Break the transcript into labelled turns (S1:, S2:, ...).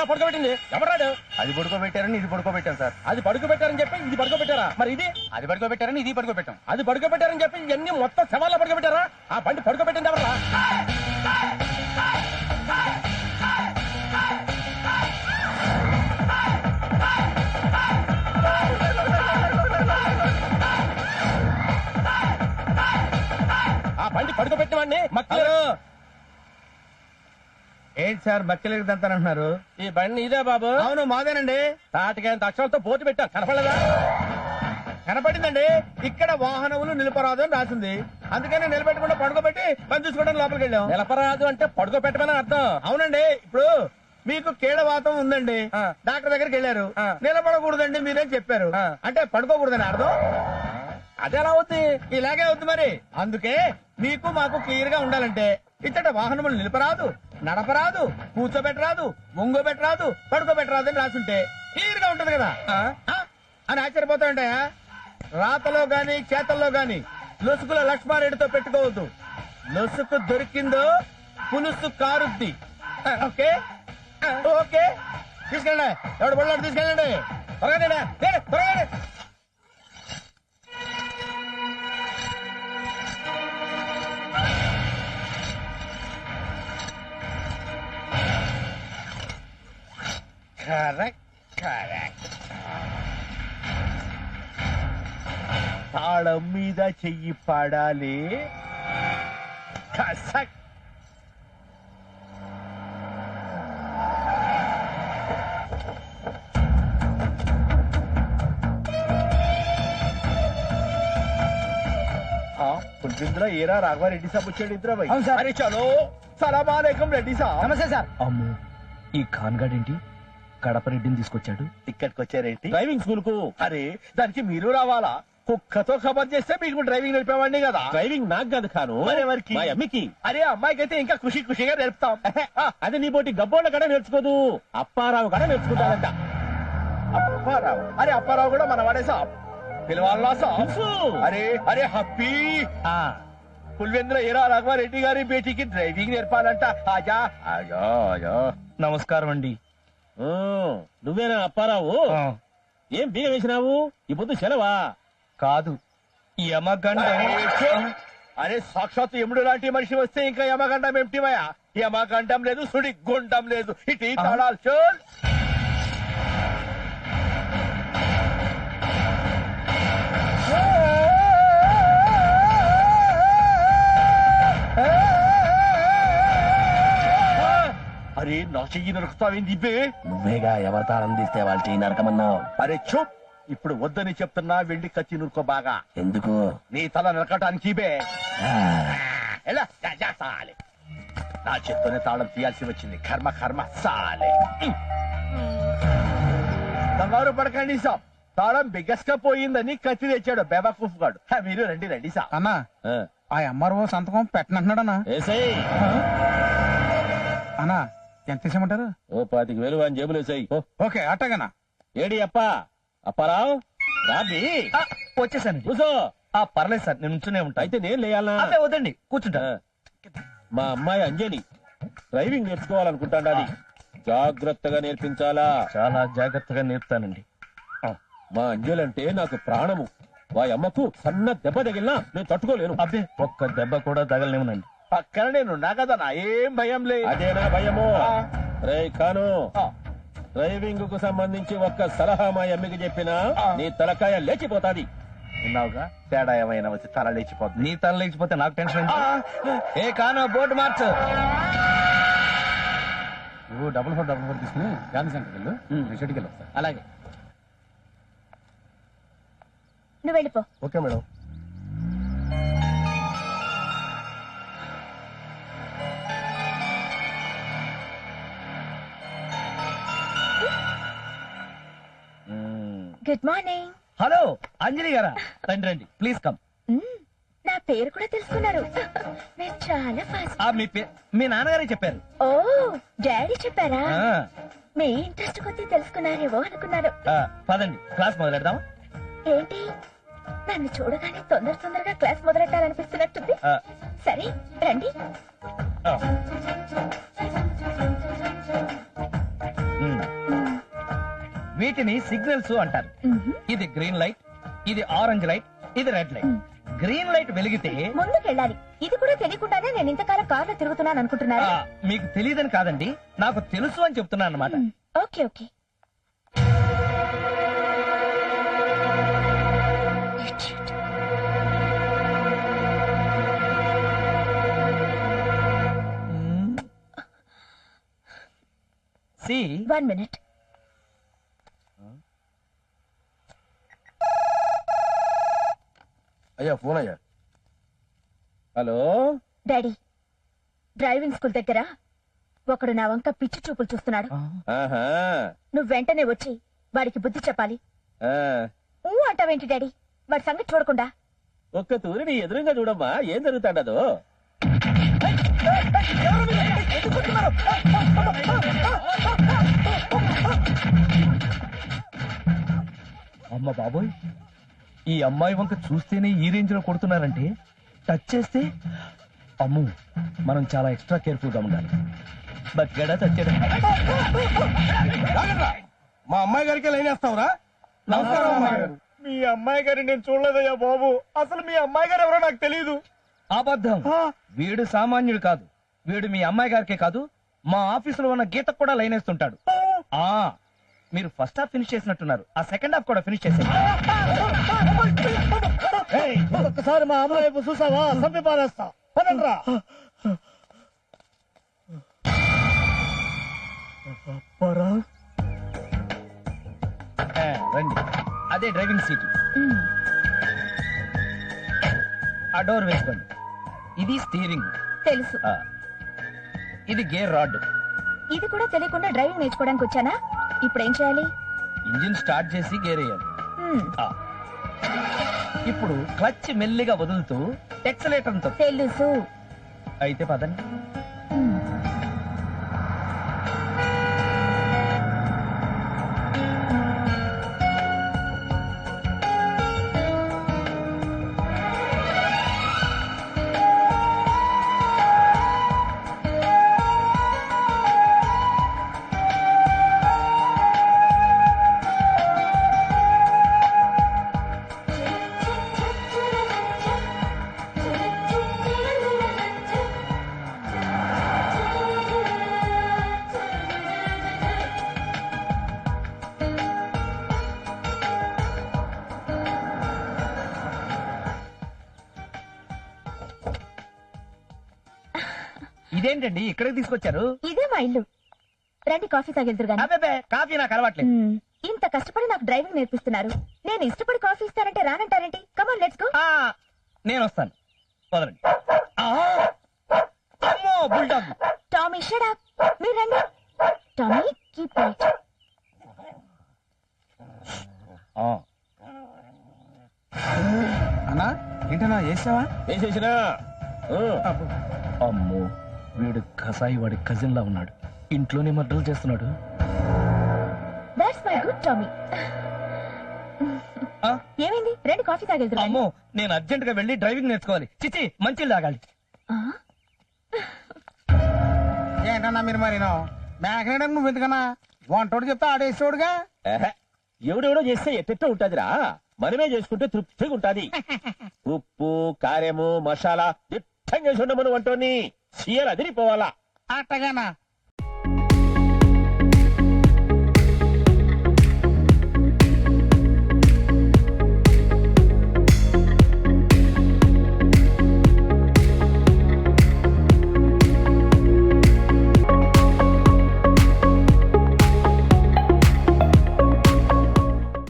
S1: ఎలా పడుకోబెట్టింది? ఎవరాడు?
S2: అది పడుకోబెట్టారని ఇది పడుకోబెట్టాం సార్.
S1: అది పడుకోబెట్టారని చెప్పి ఇది పడుకోబెట్టారా? మరి ఇది
S2: అది పడుకోబెట్టారని ఇది పడుకోబెట్టాం.
S1: అది పడుకోబెట్టారని చెప్పి ఇవన్నీ మొత్తం శవాల్లో పడుకోబెట్టారా? ఆ బండి పడుకోబెట్టింది ఎవరా? ఆ బండి పడుకోబెట్టిన వాడిని మక్కలు.
S2: ఏంటి సార్ బక్కెలకి దంతానంటున్నారు?
S1: ఈ బండి ఇదే బాబు?
S2: అవును మాదేనండి.
S1: తాటికైనంత అక్షరాలతో బోర్డు పెట్టారు, కనపడలేదా?
S2: కనపడిందండి. ఇక్కడ వాహనములు నిలపరాదు అని రాసింది. అందుకని నిలబెట్టకుండా పడుకోబెట్టి పని చూసుకోవడానికి లోపలికి వెళ్ళాం.
S1: నిలపరాదు అంటే పడుకోబెట్టమని అర్థం.
S2: అవునండి. ఇప్పుడు మీకు కీడవాతం ఉందండి, డాక్టర్ దగ్గరికి వెళ్ళారు. నిలబడకూడదండి మీరేం చెప్పారు, అంటే పడుకోకూడదని అర్థం.
S1: అది ఎలా అవుతుంది?
S2: ఇలాగే అవుతుంది మరి. అందుకే మీకు మాకు క్లియర్ గా ఉండాలంటే ఇచ్చట వాహనములు నిలపరాదు, నడపరాదు, కూర్చోబెట్టరాదు, ఒంగోబెట్టరాదు, పడుకోబెట్టరాదు అని రాసుంటే క్లియర్ గా ఉంటది కదా అని ఆశ్చర్యపోతా ఉంటాయా? రాతలో గాని చేతల్లో గాని లొసుకుల లక్ష్మారెడ్డితో పెట్టుకోవద్దు. లొసుకు దొరికిందో పులుసు కారుద్ది. ఓకే ఓకే, తీసుకెళ్ళండి. ఎవడు బళ్ళాడు తీసుకెళ్ళండి. త్వరగా త్వరగా. తాళం మీద చెయ్యి పడాలి. కసక్. పులిపింద్ర ఏరా రాఘవారెడ్డి సాబ్ వచ్చాడు. ఇద్దరు భాయ్. అరే చలో సలాం అలైకుం రెడ్డి సాబ్.
S1: నమస్తే సార్.
S3: అమ్మో, ఈ ఖాన్గాడ్ ఏంటి కడప రెడ్డిని తీసుకొచ్చాడు?
S2: ఇక్కడికి వచ్చారేంటి?
S1: డ్రైవింగ్ స్కూల్ కు.
S2: అరే దానికి మీరు రావాలా? కుక్కతో ఖబర్ చేస్తే మీకు డ్రైవింగ్ నేర్పేవాడిని కదా.
S1: డ్రైవింగ్ నాకు కాదు ఖాను,
S2: మరెవరికి?
S1: మా అమ్మికి.
S2: అరే అమ్మాయికి అయితే ఇంకా ఖుషిగా నేర్పుతాం.
S1: అది నీ పోటీ గబ్బోళ్ళ కడ నేర్చుకోదు, అప్పారావు కడ నేర్చుకుంటాడంట.
S2: అప్పారావు? అరే అప్పారావు కూడా మన వాడే సాబ్. పిలవాలా సాబ్? అరే అరే హప్పీ పుల్వేంద్ర ఏరా రాఘవారెడ్డి గారి బేటీకి డ్రైవింగ్ నేర్పాలంట. ఆజా ఆజా ఆజా.
S3: నమస్కారం అండి.
S1: నువ్వేనా అప్పారావు? ఏం బీగ వేసినావు? ఈ పొద్దు సెలవా?
S3: కాదు, యమగండ.
S2: అరే సాక్షాత్ యముడు లాంటి మనిషి వస్తే ఇంకా యమగండం ఏమిటివయా? యమగండం లేదు, సుడి గుండం లేదు. ఇటు తాళాలు చోల్. అరే నా చెయ్యి నరుకుతావేంది బే?
S1: నువ్వేగా ఎవరి తాళం తీస్తే వాళ్ళ చెయ్యి నరకమన్నావు.
S2: అరే చూప్, ఇప్పుడు వద్దని చెప్తున్నా. వెళ్ళి కత్తి నురుకో బాగా.
S1: ఎందుకు?
S2: నీ తల నరకటానికి బే. ఎలా సాలే, నా చేత్తోనే తాళం తీయాల్సి వచ్చింది. కర్మ కర్మ సాలే. కంగారు పడకండి సాబ్, తాళం బిగ్గస్గా పోయిందని కత్తి తెచ్చాడు బేబాకూఫ్ గాడు. మీరు రండి రండి సాబ్.
S3: అన్నా, ఆ ఎంఆర్ఓ సంతకం పెట్టనంటున్నాడన్నా. అన్నా ఎంత ఇచ్చామంటారు?
S1: ఓ 25,000 అని జేబులు వేసాయి.
S3: ఓకే అట్టగనా.
S1: ఏడి అప్పా అప్పారావు రాబి.
S3: వచ్చేసాను.
S1: కూసో.
S3: పర్లేదు సార్, నేను ఉంచునే ఉంటా.
S1: అయితే నేను లేయాలా?
S3: వద్దండి, కూర్చుంటా.
S1: మా అమ్మాయి అంజలి డ్రైవింగ్ నేర్చుకోవాలనుకుంటాండి. అది జాగ్రత్తగా నేర్పించాలా?
S3: చాలా జాగ్రత్తగా నేర్పుతానండి.
S1: మా అంజలి అంటే నాకు ప్రాణము. వారి అమ్మకు సన్న దెబ్బ తగిలినా నేను తట్టుకోలేను.
S3: అబ్బే, ఒక్క దెబ్బ కూడా తగలనివ్వనండి.
S2: పక్కన నేనున్నా కదా, నా ఏం భయం లేదు.
S1: అదేనా భయము? రే ఖాను, డ్రైవింగ్ కు సంబంధించి ఒక్క సలహా మా అమ్మకి చెప్పినా నీ తలకాయ లేచిపోతాది.
S2: విన్నావుగా, తేడా ఏమైనా వచ్చి తల లేచిపోతుంది.
S3: నీ తల లేచిపోతే నాకు టెన్షన్. ఏ కాను, బోర్డు మార్చు.
S4: నువ్వు డబుల్ ఫోర్ తీసుకుని గాంధీ సెంటర్కి వెళ్ళు. షెడ్కి వెళ్ళి వస్తా.
S3: అలాగే.
S5: నువ్వు వెళ్ళిపో.
S2: Okay madam.
S5: Good morning.
S3: Hello Anjali గారా, రండి రండి, ప్లీజ్ కమ్.
S5: నా పేరు కూడా తెలుసుకున్నారు. మీరు చాలా ఫాస్ట్.
S3: మీ నాన్నగారే చెప్పారు.
S5: ఓ, డాడీ చెప్పారా?
S3: ఆ,
S5: మీ ఇంట్రెస్ట్ కొద్దీ తెలుసుకున్నారేవో అనుకున్నారు.
S3: పదండి క్లాస్ మొదలెడదాం.
S5: ఏంటి, నన్ను చూడగానే తొందరగా క్లాస్ మొదలెట్టాలనిపిస్తున్నట్టుంది. సరే రండి.
S3: వీటిని సిగ్నల్స్ అంటారు. ఇది గ్రీన్ లైట్, ఇది ఆరెంజ్ లైట్, ఇది రెడ్ లైట్. గ్రీన్ లైట్ వెలిగితే
S5: ముందుకెళ్ళాలి. ఇది కూడా తెలియకుండానే నేను ఇంతకాలం కార్లో తిరుగుతున్నాను అనుకుంటున్నారా?
S3: మీకు తెలియదని కాదండి, నాకు తెలుసు అని చెప్తున్నాను అనమాట.
S5: Okay okay.
S3: See
S5: 1 minute.
S1: అయ్యా ఫోన్ అయ్యా. హలో
S5: డాడీ, డ్రైవింగ్ స్కూల్ దగ్గర ఒకడు నా వంక పిచ్చి చూపులు చూస్తున్నాడు.
S1: ఆహా
S5: నువ్వు వెంటనే వచ్చి వాడికి బుద్ధి చెప్పాలి.
S1: ఆ,
S5: అంటావేంటి డాడీ? వాడి సంగతి చూడకుండా.
S1: ఒక్క తూరి నీ ఎదురుగా చూడమ్మా, ఏం జరుగుతాడదో.
S3: అమ్మ బాబోయ్, ఈ అమ్మాయి వంక చూస్తేనే ఈ రేంజ్ లో కొడుతున్నారంటే టచ్ చేస్తే అమ్ము, మనం చాలా ఎక్స్ట్రా కేర్ఫుల్ గా ఉండాలి. బగ్గడా చచ్చాడు.
S2: మా అమ్మాయి గారికి లైన్ వేస్తావురా? నమస్కారం అమ్మాయి గారు. మీ అమ్మాయి గారిని నేను చూడలేదయ్యా బాబు. అసలు మీ అమ్మాయి గారు ఎవరో నాకు తెలియదు.
S3: అబద్ధం. వీడు సామాన్యుడు కాదు. వీడు మీ అమ్మాయి గారికే కాదు, మా ఆఫీసులో ఉన్న గీతకు కూడా లైన్ వేస్తుంటాడు. ఆ మీరు ఫస్ట్ హాఫ్ ఫినిష్ చేసినట్టున్నారు, ఆ సెకండ్ హాఫ్ కూడా ఫినిష్ చేసేయండి.
S2: ఒక్కసారి మా అమ్మాయి వైపు చూసావా? సంపి పారేస్తా. పదండ్రా.
S3: రండి, అదే డ్రైవింగ్ సీట్. ఆ డోర్ వేసుకోండి. ఇది స్టీరింగ్.
S5: తెలుసు.
S3: ఇది గేర్ రాడ్.
S5: ఇది కూడా తెలియకుండా డ్రైవింగ్ నేర్చుకోవడానికి వచ్చానా? ఇప్పుడు ఏం చేయాలి?
S3: ఇంజిన్ స్టార్ట్ చేసి గేర్ వేయాలి.
S5: హ్మ్,
S3: ఇప్పుడు క్లచ్ మెల్లిగా వదులుతూ ఎక్సలేటర్ తో.
S5: తెలుసు.
S3: అయితే పదండి.
S5: హ్మ్.
S3: ఇదేంటండి ఇక్కడికి తీసుకొచ్చారు?
S5: ఇదే మా ఇల్లు. రండి కాఫీ తాగెళ్తురు గాని.
S3: అబ్బే, కాఫీ నాకు అలవాట్లేదు.
S5: ఇంత కష్టపడి నాకు డ్రైవింగ్ నేర్పిస్తున్నారు. నేను ఇష్టపడి కాఫీ ఇస్తానంటే రానంటారేంటి? Come on let's go.
S3: నేను వస్తాను, వదలండి. అమ్మో, బుల్డాగ్.
S5: Tommy shut up. మీరు రండి. Tommy keep right.
S2: అన్నా ఏంటన్నా చేసావా?
S1: వేసేసినా.
S3: అమ్మో, వీడు కసాయి వాడి కజిన్ లా ఉన్నాడు. ఇంట్లోనే మర్డర్లు చేస్తున్నాడు.
S5: That's my good Tommy. ఏమైంది? రండి కాఫీ తాగెళ్తురు.
S3: అమ్మో, నేను అర్జెంట్ గా వెళ్ళి డ్రైవింగ్ నేర్చుకోవాలి. చిచి, మంచి తాగాలి.
S2: ఏంటన్నా మీరు మరి మేకనేయడం నువ్వు ఎందుకన్నా? వంటోడు చెప్తే ఆడేసేవాడుగా.
S1: ఎవడెవడో చేస్తే ఎట్టెట్టో ఉంటదిరా, మనమే చేసుకుంటే తృప్తిగా ఉంటది. ఉప్పు కారము మసాలా దిట్టంగా చూడమను వంటోని సీయలు అదిరిపోవాలా.
S2: అట్టగానా?